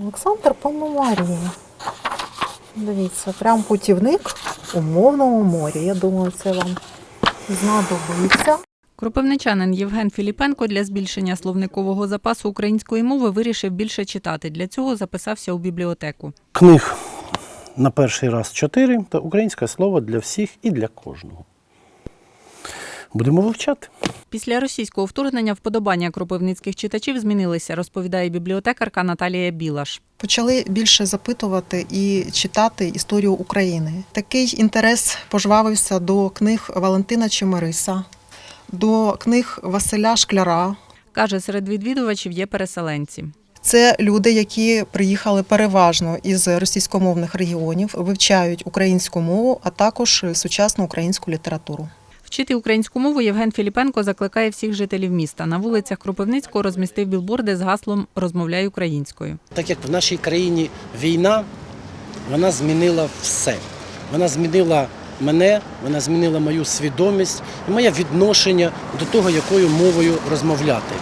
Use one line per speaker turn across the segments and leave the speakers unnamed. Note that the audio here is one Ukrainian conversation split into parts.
Олександр Пономарій. Дивіться, прям путівник у мовному морі. Я думаю, це вам знадобиться.
Кропивничанин Євген Філіпенко для збільшення словникового запасу української мови вирішив більше читати. Для цього записався у бібліотеку.
Книг на перший раз 4 та українське слово для всіх і для кожного. Будемо вивчати.
Після російського вторгнення вподобання кропивницьких читачів змінилися, розповідає бібліотекарка Наталія Білаш.
Почали більше запитувати і читати історію України. Такий інтерес пожвавився до книг Валентина Чемериса, до книг Василя Шкляра.
Каже, серед відвідувачів є переселенці.
Це люди, які приїхали переважно із російськомовних регіонів, вивчають українську мову, а також сучасну українську літературу.
Вчити українську мову Євген Філіпенко закликає всіх жителів міста. На вулицях Кропивницького розмістив білборди з гаслом «Розмовляй українською».
Так як в нашій країні війна, вона змінила все. Вона змінила мене, вона змінила мою свідомість і моє відношення до того, якою мовою розмовляти.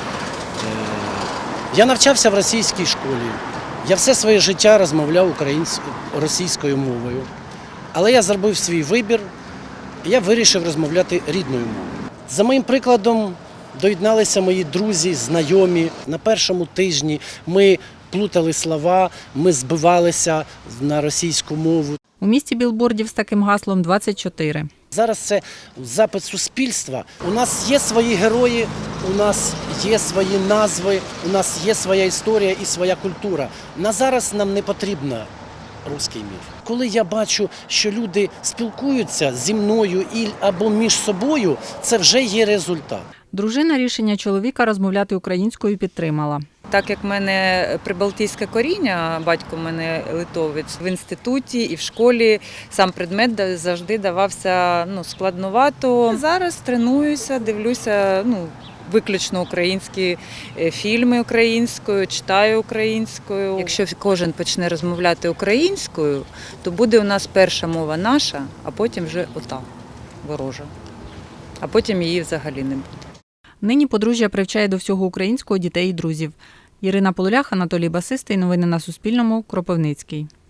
Я навчався в російській школі. Я все своє життя розмовляв російською мовою. Але я зробив свій вибір, і я вирішив розмовляти рідною мовою. За моїм прикладом доєдналися мої друзі, знайомі. На першому тижні ми плутали слова, ми збивалися на російську мову.
У місті білбордів з таким гаслом 24.
Зараз це запит суспільства. У нас є свої герої, у нас є свої назви, у нас є своя історія і своя культура. На зараз нам не потрібна руський мір. Коли я бачу, що люди спілкуються зі мною або між собою, це вже є результат.
Дружина рішення чоловіка розмовляти українською підтримала.
Так як в мене прибалтійське коріння, батько в мене литовець, в інституті і в школі сам предмет завжди давався складновато. Зараз тренуюся, дивлюся виключно українські фільми українською, читаю українською. Якщо кожен почне розмовляти українською, то буде у нас перша мова наша, а потім вже ота ворожа. А потім її взагалі не буде.
Нині подружжя привчає до всього українського дітей і друзів. Ірина Полулях, Анатолій Басистий. Новини на Суспільному. Кропивницький.